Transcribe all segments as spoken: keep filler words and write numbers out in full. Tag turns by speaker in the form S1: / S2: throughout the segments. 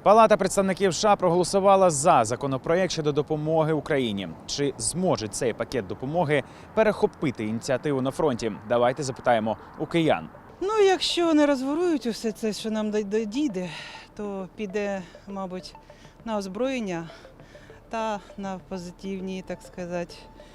S1: Палата представників США проголосувала за законопроект щодо допомоги Україні. Чи зможе цей пакет допомоги перехопити ініціативу на фронті? Давайте запитаємо у киян.
S2: Ну, якщо не розворують усе це, що нам дійде, то піде, мабуть, на озброєння та на позитивні, так сказати,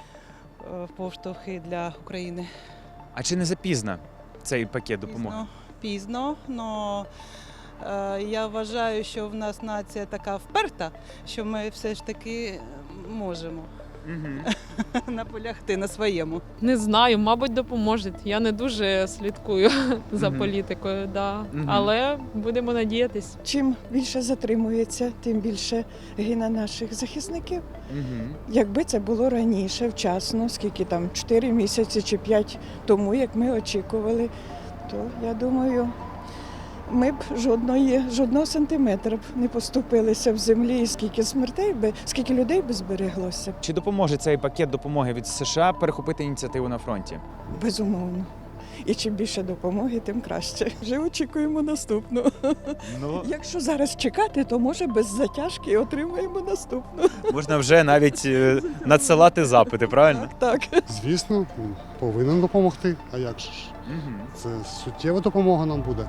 S2: поштовхи для України.
S1: А чи не запізно цей пакет допомоги?
S2: Пізно, пізно, але я вважаю, що в нас нація така вперта, що ми все ж таки можемо
S1: Угу.
S2: наполягти на своєму.
S3: Не знаю, мабуть, допоможе. Я не дуже слідкую за
S1: Мгм.
S3: політикою, да.
S1: Мгм.
S3: Але будемо надіятись.
S4: Чим більше затримується, тим більше гине наших захисників.
S1: Угу.
S4: Якби це було раніше, вчасно, скільки там, чотири місяці чи п'ять тому, як ми очікували, то я думаю, ми б жодної, жодного сантиметра б не поступилися в землі, і скільки смертей би, скільки людей би збереглося.
S1: Чи допоможе цей пакет допомоги від США перехопити ініціативу на фронті?
S4: Безумовно. І чим більше допомоги, тим краще. Вже очікуємо наступну.
S1: Ну,
S4: Якщо зараз чекати, то може без затяжки отримаємо наступну.
S1: можна вже навіть е, надсилати запити, правильно?
S4: Так, так.
S5: Звісно, повинен допомогти. А як же ж?
S1: Угу.
S5: Це суттєва допомога нам буде.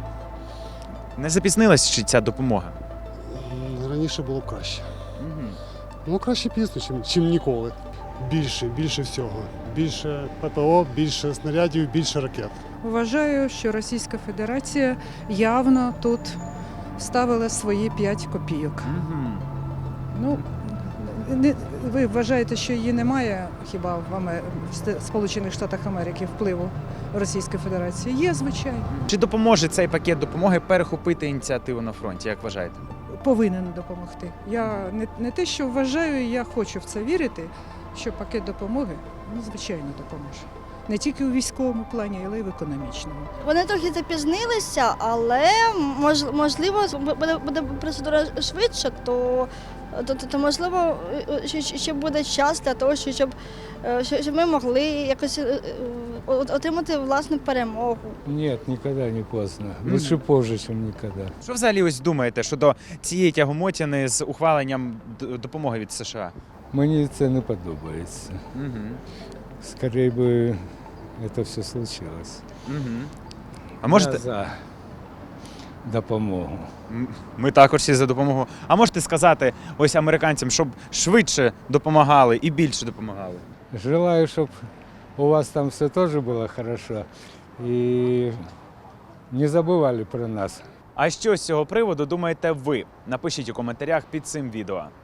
S1: Не запізнилась чи ця допомога?
S5: М, Раніше було б краще.
S1: Угу.
S5: Ну, краще пізно, чим, чим ніколи. Більше, більше всього. Більше ППО, більше снарядів, більше ракет.
S6: Вважаю, що Російська Федерація явно тут ставила свої п'ять копійок.
S1: Угу.
S6: Ну, не, ви вважаєте, що її немає хіба в, Амер... в Ст- Сполучених Штатах Америки впливу Російської Федерації? Є, звичайно.
S1: Чи допоможе цей пакет допомоги перехопити ініціативу на фронті, як вважаєте?
S6: Повинен допомогти. Я не, не те, що вважаю, я хочу в це вірити, що пакет допомоги, ну, звичайно, допоможе. Не тільки у військовому плані, але й в економічному.
S7: Вони трохи запізнилися, але мож, можливо буде, буде процедура швидше, то, то, то, то можливо ще, ще буде час для того, щоб, щоб ми могли якось отримати власну перемогу.
S8: Нет, никогда не поздно.
S1: Мгм.
S8: Лучше позже, чем никогда.
S1: Що взагалі ось думаєте щодо цієї тягомотини з ухваленням д- допомоги від США?
S8: Мені це не подобається.
S1: Угу.
S8: Скорее би це все случилось.
S1: Угу. А можете
S8: Я за допомогу.
S1: М, ми також всі за допомогу. А можете сказати ось американцям, щоб швидше допомагали і більше допомагали?
S8: Желаю, щоб у вас там все теж було хорошо. І не забували про нас.
S1: А що з цього приводу думаєте ви? Напишіть у коментарях під цим відео.